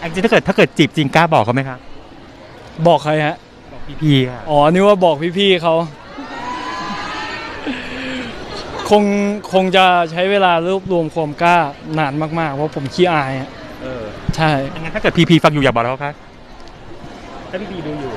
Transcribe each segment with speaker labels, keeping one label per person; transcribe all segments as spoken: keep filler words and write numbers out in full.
Speaker 1: จริงถ้าเกิดถ้าเกิดจีบจริงกล้าบอกเขาไหมครับ
Speaker 2: บอกใครฮะ
Speaker 1: บอกพี่ๆค่ะ
Speaker 2: อ๋อนึกว่าบอกพี่ๆเขาคงคงจะใช้เวลารวบรวมความกล้านานมากๆเพราะผมขี้อายอ่ะ
Speaker 1: เออ
Speaker 2: ใช่
Speaker 1: งั้นถ้าเกิดพี่ๆฟังอยู่อยากบอกเขาครับถ้าพี่ๆดูอยู่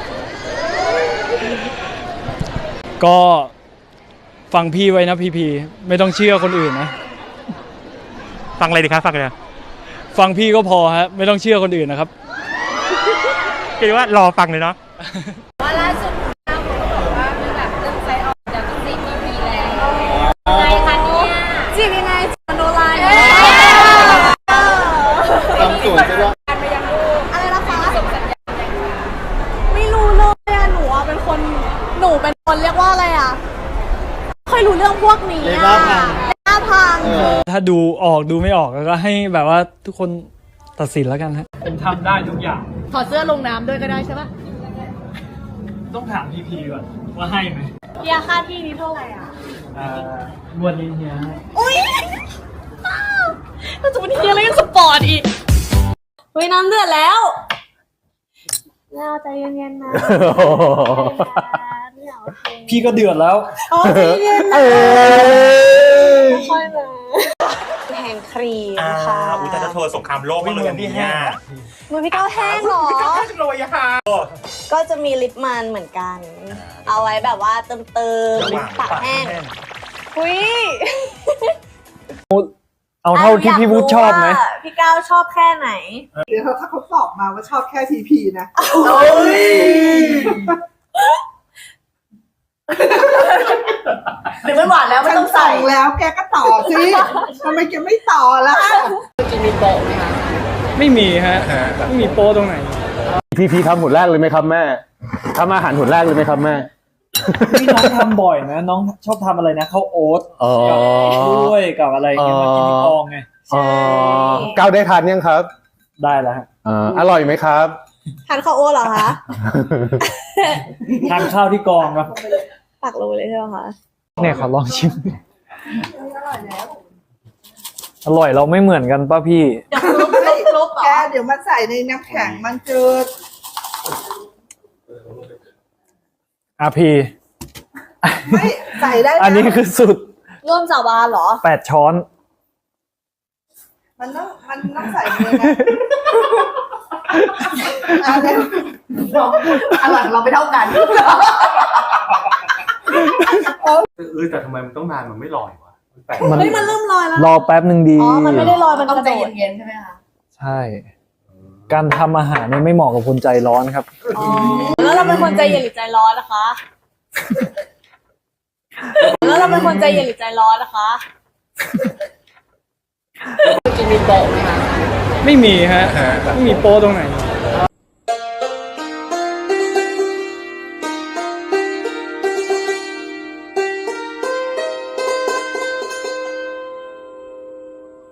Speaker 2: ก็ฟังพี่ไว้นะพี่ๆไม่ต้องเชื่อคนอื่นนะ
Speaker 1: ฟังอะไรดีครับฟังอะไร
Speaker 2: ฟังพี่ก็พอฮะไม่ต้องเชื่อคนอื่นนะครับ
Speaker 1: คิดว่ารอฟังเลยเนาะ
Speaker 3: ว่าล่าสุดน้าเขาบอกว่ามีแบบเรื่องไซออกจากต้องซีพีพีแล้วไงคะเนี่ยจีบยังไงโนไลน์
Speaker 4: ทำสวนจะได้
Speaker 3: ไปยังลูกอะไรนะคะส่งสัญญาณยังไง
Speaker 5: ไม่รู้เลยอะหนูอะเป็นคนหนูเป็นคนเรียกว่าอะไรอะค่อยรู้เรื่องพวกนี้อะหน้าพัง
Speaker 2: ถ้าดูออกดูไม่ออกก็ให้แบบว่าทุกคนตัดสินแล้วกันฮะผมทำได้ทุกอย่าง
Speaker 5: ถอดเสื้อลงน้ำด้วยก็ได้ใช่ปะ
Speaker 2: ต้องถามพี่พีก่อนว่าให้ไหม
Speaker 5: เฮียค่าที่นี้เท่าไหร่อ่ะ
Speaker 2: อ่าวันนี้เฮีย
Speaker 5: อุ้ยมันจะเป็นเฮียอะไรกันสปอร์ตอีกเฮ้ยน้ำเดือดแล้วแล้วใจเย็นๆนะ
Speaker 2: พี่ก็เดือดแล้ว
Speaker 5: อ๋อใจเย็นนะค่อยมาแห้งครีมค่ะ
Speaker 1: อุตส่าห์โทรสงครามโลกมาเลยอันนี้เนี่ย
Speaker 5: มือพี่ก้าวแห้งหรอ
Speaker 1: เลยอะค่ะ
Speaker 5: ก็จะมีลิปมันเหมือนกันเอาไว้แบบว่าเติมเติมลิปปากแห้งอุ้ย
Speaker 2: เอาเท่าที่พี่วุฒิชอบไหม
Speaker 5: พี่ก้าวชอบแค่ไหน
Speaker 6: เดี๋ยวถ้าเขาตอบมาว่าชอบแค่ทีพีนะ
Speaker 5: หรือมันหวานแล้วไม่ต้องใส่
Speaker 6: แล้วแกก็ต่อสิทำไมแกไม่ต่อล่ะ
Speaker 4: จริงมีโป๊ะไหมคะ
Speaker 2: ไม่มีฮะไม่มีโป๊ตรงไหน
Speaker 7: พี่พีทำหุ่นแรกเลยไหมครับแม่ทำอาหารหุ่นแรกเลยไหมครับแม่
Speaker 2: พี่น้องทำบ่อยนะน้องชอบทำอะไรนะข้าวโอ๊ตกับกล้วยกับอะไรเงี้ยมากินที่กองไง
Speaker 7: อ๋อก้าวได้ทานยังครับ
Speaker 2: ได้แล้ว
Speaker 7: อร่อยไหมครับ
Speaker 5: ทานข้าวโอ๊ตเหรอคะ
Speaker 2: ทานข้าวที่กองครับ
Speaker 5: ปักโลเลยใช่ไหมคะ
Speaker 2: เนี่ยขอลองชิมอร่อยเราไม่เหมือนกันป่ะพี่
Speaker 5: จะคลุกคลุก
Speaker 6: แกเดี๋ยวมันใส่ในน้ำแข็งมันจืด
Speaker 2: อาพี
Speaker 6: ไม่ใส่ได้
Speaker 2: อันนี้คือสุด
Speaker 5: ร่วมสาบานเหรอ
Speaker 2: แปดช้อน
Speaker 6: มันต้องมันต้องใส่เลยนะอะไร
Speaker 5: อร่อยเราไม่เท่ากัน
Speaker 7: เออแต่ทำไมมันต้องนานมันไม่ลอยวะ
Speaker 5: เฮ้ยมันเริ่มลอยแล้ว
Speaker 2: รอแป๊บหนึ่งดี
Speaker 5: อ๋อมันไม่ได้ลอยมันต้องใจเย็นๆใช่ไหมคะ
Speaker 2: ใช่การทำอาหารเนี่ยไม่เหมาะกับคนใจร้อนครับ
Speaker 5: อ๋อแล้วเราเป็นคนใจเย็นหรือใจร้อนนะคะแล้วเราเป็นคนใจเย็นหรือใจร้อนนะคะ
Speaker 4: จริงมีโป๊ะไหมคะ
Speaker 2: ไม่มีฮะไม่มีโป๊ตรงไหน